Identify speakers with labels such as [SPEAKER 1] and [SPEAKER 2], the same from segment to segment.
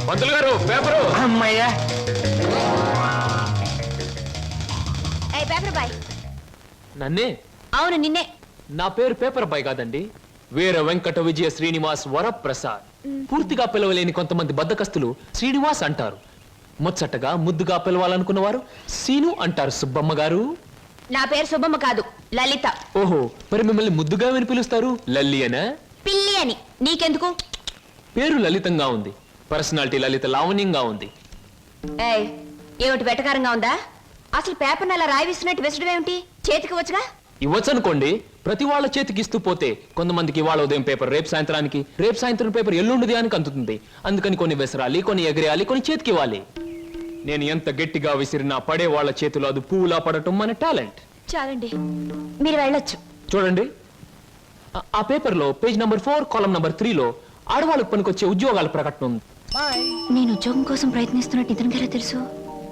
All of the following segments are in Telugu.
[SPEAKER 1] పంతులు గారు పేపరు.
[SPEAKER 2] అమ్మయ్యా.
[SPEAKER 3] Paper boy.
[SPEAKER 1] నన్నే?
[SPEAKER 3] అవును నిన్నే.
[SPEAKER 1] నా పేరు పేపర్ బాయ్ కాదండి, వీర వెంకట విజయ శ్రీనివాస్ వరప్రసాద్. పూర్తిగా పిలవలేని కొంతమంది బద్దకస్తులు శ్రీనివాస్ అంటారు. ముచ్చటగా ముద్దుగా పిలవాలనుకున్న వారు సీను అంటారు. సుబ్బమ్మ గారు.
[SPEAKER 3] నా పేరు సుబ్బమ్మ కాదు, లలిత.
[SPEAKER 1] ఓహో, మరి మిమ్మల్ని ముద్దుగా విని పిలుస్తారు లల్లి అనా?
[SPEAKER 3] పిల్లి అని. నీకెందుకు?
[SPEAKER 1] పేరు లలితంగా ఉంది, పర్సనాలిటీ లలిత లావణ్యంగా ఉంది.
[SPEAKER 3] ఏమిటి వెటకారంగా ఉందా? అసలు పేపర్ అలా రాయిస్తున్నట్టు విసడం ఏమిటి? చేతికి వచ్చుగా.
[SPEAKER 1] ఇవ్వచ్చు అనుకోండి, ప్రతి వాళ్ళ చేతికి ఇస్తూ పోతే కొంతమందికి వాళ్ళ ఉదయం పేపర్ రేపు సాయంత్రానికి, రేపు సాయంత్రం పేపర్ ఎల్లుండి దానికి అందుతుంది. అందుకని కొన్ని విసరాలి, కొన్ని ఎగరేయాలి, కొన్ని చేతికి ఇవ్వాలి. నేను ఎంత గట్టిగా విసిరినా పడే వాళ్ళ చేతిలో అది పువ్వులా పడటం మన టాలెంట్.
[SPEAKER 3] చాలండి, మీరు వెళ్ళొచ్చు.
[SPEAKER 1] చూడండి, ఆ పేపర్లో పేజ్ నంబర్ 4 కాలం నంబర్ 3లో ఆడవాళ్ళకు పనికొచ్చే ఉద్యోగాల ప్రకటన ఉంది.
[SPEAKER 3] నేను ఉద్యోగం కోసం ప్రయత్నిస్తున్నట్టు ఇతనికి ఎలా తెలుసు?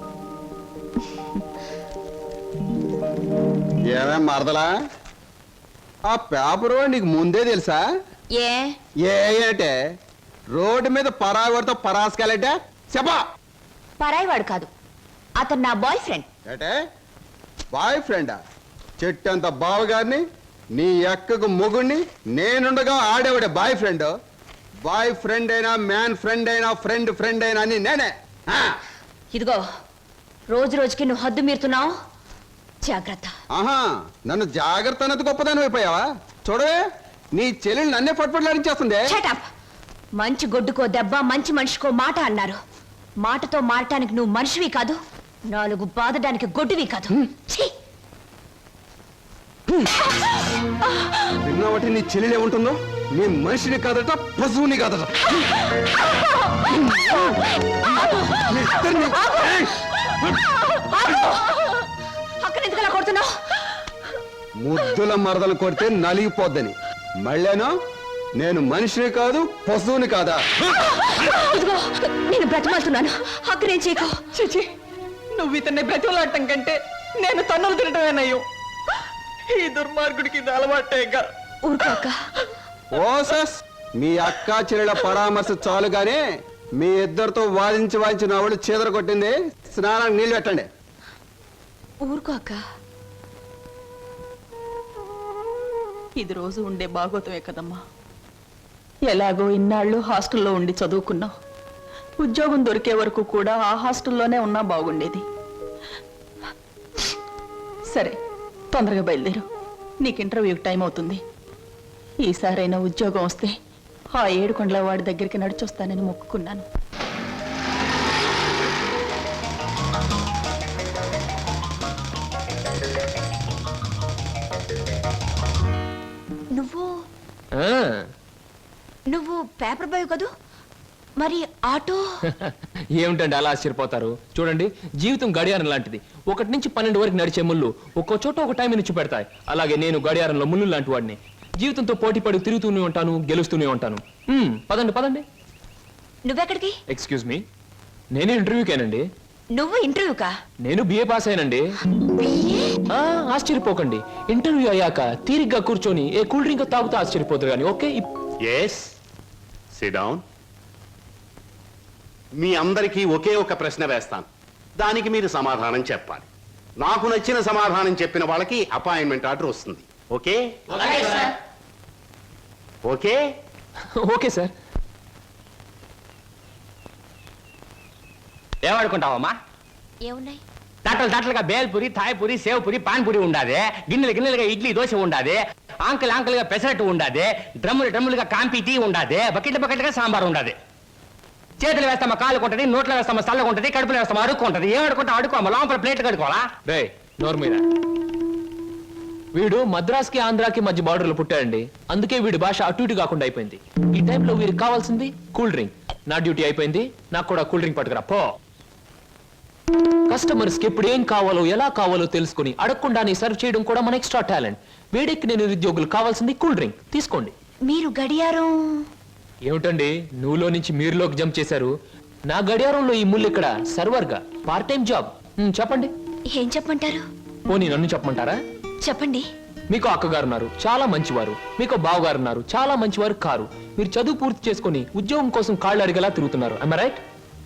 [SPEAKER 4] ఏమేం మరదలా, ఆ పేపరు నీకు ముందే తెలుసా? ఏంటే రోడ్డు మీద పరాగడితో పరాసుకెళ్ళటే చెప్పా.
[SPEAKER 3] పరాయివాడు కాదు, అతను నా బాయ్ ఫ్రెండ్.
[SPEAKER 4] ఏటే బాయ్ ఫ్రెండా? చెట్టంత బావగారిని, నీ ఎక్కకు మొగుణ్ణి, నేనుండగా ఆడేవాడే బాయ్ ఫ్రెండ్. బాయ్ ఫ్రెండ్ అయినా, మ్యాన్ ఫ్రెండ్ అయినా, ఫ్రెండ్ ఫ్రెండ్ అయినా అని నేనే.
[SPEAKER 3] ఇదిగో, రోజు రోజుకి నువ్వు హద్దు మీరుతున్నావు, జాగ్రత్త.
[SPEAKER 4] ఆహా, నన్ను జాగ్రత్త అన్నది గొప్పదాని అయిపోయావా? చూడవే, నీ చెల్లెలు నన్నే పట్టుపట్లాడించేస్తుంది.
[SPEAKER 3] మంచి గొడ్డుకో దెబ్బ, మంచి మనిషికో మాట అన్నారు. మాటతో మారటానికి నువ్వు మనిషివి కాదు, 4 బాదడానికి గొడ్డువి కాదు.
[SPEAKER 4] విన్నావటి నీ చెల్లెలే ఉంటుందో? నీ మనిషిని కాదట, పశువుని కాదట.
[SPEAKER 3] అక్కడ ఎందుకలా కొడుతున్నావు?
[SPEAKER 4] ముద్దుల మరదలు కొడితే నలిగిపోద్దని. మళ్ళేనో నేను మనిషిని కాదు, పశువుని కాదా?
[SPEAKER 3] నేను బ్రతిమాలుతున్నాను, అక్కడేం చేయకు.
[SPEAKER 5] చిచి, నువ్వు ఇతన్ని బ్రతిమలాడటం కంటే నేను తన్నులు తినటమేనయ్యో. ఈ దుర్మార్గుడికి ఇది అలవాటేగా.
[SPEAKER 3] ఊరుకోక.
[SPEAKER 4] ఓసస్, మీ అక్క చెల్లెల పరామర్శ చాలుగానే మీ ఇద్దరితో వాదించి వాదించి నా వాళ్ళు చీదర కొట్టింది. స్నానానికి నీళ్ళు పెట్టండి.
[SPEAKER 3] ఊరుకోక.
[SPEAKER 5] ఇది రోజు ఉండే భాగోతమే కదమ్మా. ఎలాగో ఇన్నాళ్ళు హాస్టల్లో ఉండి చదువుకున్నావు. ఉద్యోగం దొరికే వరకు కూడా ఆ హాస్టల్లోనే ఉన్నా బాగుండేది. సరే, తొందరగా బయలుదేరు, నీకు ఇంటర్వ్యూకి టైం అవుతుంది. ఈసారైనా ఉద్యోగం వస్తే ఆ 7 కొండల వాడి దగ్గరికి నడిచొస్తానని మొక్కుకున్నాను.
[SPEAKER 3] నువ్వు పేపర్ బాయ్ కదూ, మరి ఆటో?
[SPEAKER 1] ఏమిటండి అలా ఆశ్చర్యపోతారు? చూడండి, జీవితం గడియారం లాంటిది. 1 నుంచి 12 వరకు నడిచే ముళ్ళు ఒక్కో చోట ఒక టైం నుంచి పెడతాయి. అలాగే నేను గడియారంలో ముళ్ళు లాంటి వాడిని. జీవితంతో పోటీ పడి తిరుగుతూనే ఉంటాను, గెలుస్తూనే ఉంటాను. పదండి పదండి.
[SPEAKER 3] నువ్వెక్కడికి?
[SPEAKER 1] ఎక్స్క్యూజ్ మీ, నేను ఇంటర్వ్యూకేనండి.
[SPEAKER 3] నువ్వు ఇంటర్వ్యూకా?
[SPEAKER 1] నేను బిఏ పాస్ అయినండి. ఆశ్చర్యపోకండి, ఇంటర్వ్యూ అయ్యాక తీరిగ్గా కూర్చొని ఏ కూల్ డ్రింక్ తాగుతూ ఆశ్చర్యపోతారు కానీ. Okay,
[SPEAKER 6] yes, sit down. మీ అందరికీ ఒకే ఒక ప్రశ్న వేస్తాను, దానికి మీరు సమాధానం చెప్పాలి. నాకు నచ్చిన సమాధానం చెప్పిన వాళ్ళకి అపాయింట్మెంట్ ఆర్డర్ వస్తుంది. ఓకే? Okay
[SPEAKER 1] okay sir.
[SPEAKER 2] ఏమనుకుంటావమ్మా?
[SPEAKER 3] ఏమున్నాయి?
[SPEAKER 2] తట్టలుగా బేల్పూరి, థాయ్పూరి, సేవ్పూరి, పాన్పూరి ఉండాది. గిన్నెలుగా ఇడ్లీ దోశ ఉండాది. ఆంకలుగా పెసరట్టు ఉండాది. డ్రమ్ములుగా కాంపి టీ ఉండాది. బకెట్లుగా సాంబార్ ఉండాది. చేతులు వేస్తామా కాలు కొంటది, నోట్లో వేస్తామా చల్లగా ఉంటుంది, కడుపులో వేస్తామా అడుక్కుంటది. ఏమడుకుంటా అడుకోమా, లోపల ప్లేట్ కడుకోవాలా?
[SPEAKER 1] రే నోరు మీద. వీడు మద్రాస్కి ఆంధ్రాకి మధ్య బార్డర్లో పుట్టాడండి. అందుకే వీడి భాష అటు ఇటు కాకుండా అయిపోయింది. ఈ టైంలో వీరికి కావాల్సింది కూల్ డ్రింక్. నా డ్యూటీ అయిపోయింది, నాకు కూడా కూల్ డ్రింక్ పట్టుకురా పో. కస్టమర్స్ కి ఎప్పుడు ఏం కావాలో ఎలా కావాలో తెలుసుకుని అడగకుండానే సర్వ్ చేయడం కూడా మన ఎక్స్ట్రా టాలెంట్. వేడికి నేను నిరుద్యోగులు కావాల్సింది కూల్ డ్రింక్. తీసుకోండి.
[SPEAKER 3] మీరు గడియారం
[SPEAKER 1] ఏమిటండి నువ్వులో నుంచి మీరులోకి జంప్ చేశారు? నా గడియారంలో ఈ ముళ్ళు ఇక్కడ సర్వర్ గా పార్ట్ టైం జాబ్. చెప్పండి.
[SPEAKER 3] ఏం చెప్పమంటారు?
[SPEAKER 1] పోనీ నన్ను చెప్పమంటారా?
[SPEAKER 3] చెప్పండి.
[SPEAKER 1] మీకు అక్కగారు ఉన్నారు, చాలా మంచివారు. మీకు బావగారు ఉన్నారు, చాలా మంచివారు కారు. మీరు చదువు పూర్తి చేసుకుని ఉద్యోగం కోసం కాళ్ళు అడిగేలా తిరుగుతున్నారు. I am right?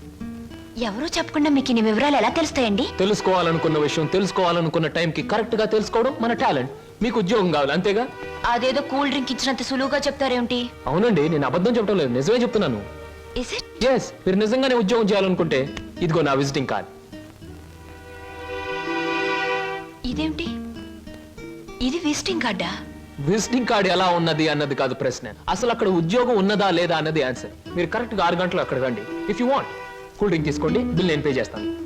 [SPEAKER 3] ఎవరూ చెప్పకుండా మీకు ఇన్ని వివరాలు ఎలా తెలుస్తాయండి?
[SPEAKER 1] తెలుసుకోవాలనుకున్న విషయం తెలుసుకోవాలనుకున్న టైంకి కరెక్ట్ గా తెలుసుకోవడం మన టాలెంట్. మీకు ఉద్యోగం కావాలి అంతేగా?
[SPEAKER 3] అదేదో కూల్ డ్రింక్ ఇచ్చినంత సులువుగా చెప్తారేమిటి?
[SPEAKER 1] అవునండి, నేను అబద్ధం చెప్పడం లేదు, నిజమే చెప్తున్నాను.
[SPEAKER 3] Is it?
[SPEAKER 1] ఎస్, మీరు నిజంగానే ఉద్యోగం చేయాలనుకుంటే ఇదిగో నా విజిటింగ్ కార్డ్.
[SPEAKER 3] ఇదేమిటి? ఇది విజిటింగ్ కార్డా?
[SPEAKER 1] విజిటింగ్ కార్డ్ ఎలా ఉన్నది అన్నది కాదు ప్రశ్న, అసలు అక్కడ ఉద్యోగం ఉన్నదా లేదా అన్నది ఆన్సర్. మీరు కరెక్ట్ గా 6 గంటలు అక్కడ రండి. If you want cool drink తీసుకోండి, బిల్ నేను పే చేస్తాను.